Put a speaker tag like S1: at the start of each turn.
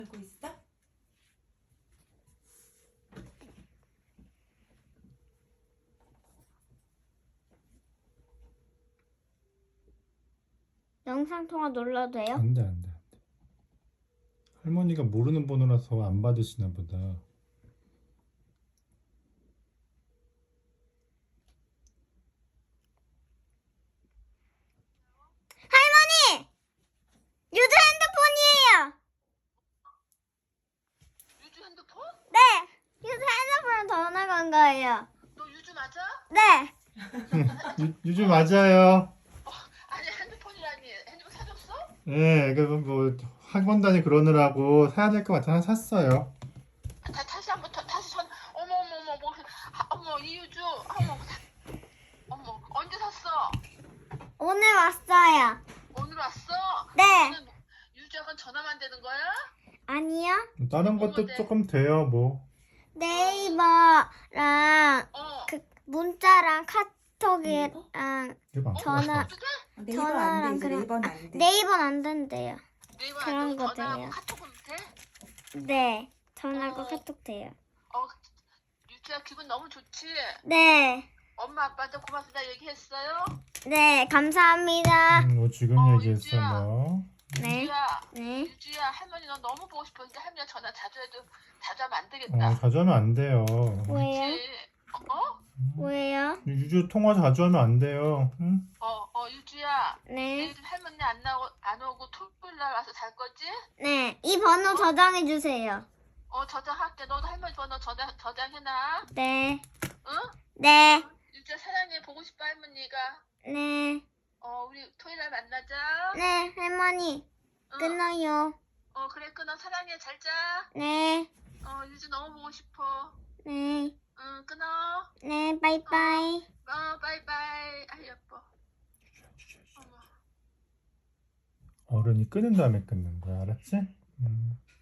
S1: 알고 있어?
S2: 영상통화 눌러도 돼요?
S3: 안 돼, 안 돼, 안 돼. 할머니가 모르는 번호라서 안 받으시나 보다.
S2: 할머니! 유주 핸드폰이에요!
S4: 유주 핸드폰?
S2: 네! 유주 핸드폰 전화 건 거예요.
S4: 너 유주 맞아?
S2: 네!
S3: 유주 맞아요.
S4: 아니 핸드폰이라니 핸드폰 사줬어?
S3: 예, 그래서 뭐 학원 다니 그러느라고 사야 될 것 같아 하나 샀어요.
S4: 다시 한번 다시 전 어머 어머 어머 뭐 어머 이유주 어머 언제 샀어?
S2: 오늘 왔어요.
S4: 오늘 왔어?
S2: 네!
S4: 너는 유주하고 전화만 되는 거야?
S2: 아니요.
S3: 다른 것도
S4: 네.
S3: 조금 돼요, 뭐.
S2: 네이버랑
S4: 어.
S2: 문자랑 카톡이랑
S3: 이거
S2: 전화
S1: 네이버 안
S2: 전화랑
S1: 되지.
S2: 그런
S1: 네이버는 안 돼.
S2: 네이버는 안 된대요.
S4: 네이버
S2: 그런
S4: 안 되고
S2: 거
S4: 전화하고
S2: 돼요.
S4: 카톡은 돼?
S2: 네. 전화하고
S4: 어.
S2: 카톡 돼요.
S4: 유주야 기분 너무 좋지?
S2: 네.
S4: 엄마 아빠한테 고맙다 얘기했어요?
S2: 네. 감사합니다.
S3: 뭐 지금 얘기했어,
S4: 유주야.
S3: 뭐.
S2: 네.
S4: 유주야
S2: 네.
S4: 유주야 할머니 너 너무 보고 싶었는데 할머니 전화 자주 해도 자주 하면 안 되겠다.
S3: 자주 하면 안 돼요.
S2: 왜요?
S4: 그치? 어?
S2: 왜요?
S3: 유주 통화 자주 하면 안 돼요. 응?
S4: 유주야.
S2: 네.
S4: 내일 할머니 안 오고 토요일 날 와서 잘 거지?
S2: 네. 이 번호 저장해 주세요.
S4: 저장할게. 너도 할머니 번호 저장해놔.
S2: 네.
S4: 응?
S2: 네.
S4: 유주야 사랑해. 보고 싶어 할머니가.
S2: 네.
S4: 우리 토요일 날 만나자.
S2: 네. 할머니.
S4: 응?
S2: 끊어요.
S4: 그래 끊어. 사랑해. 잘 자.
S2: 네.
S4: 유주 너무 보고 싶어.
S2: 네.
S4: 응, 끊어.
S2: 네. 바이바이.
S4: 바이바이. 아, 예뻐. 어머.
S3: 어른이 끊은 다음에 끊는 거야, 알았지?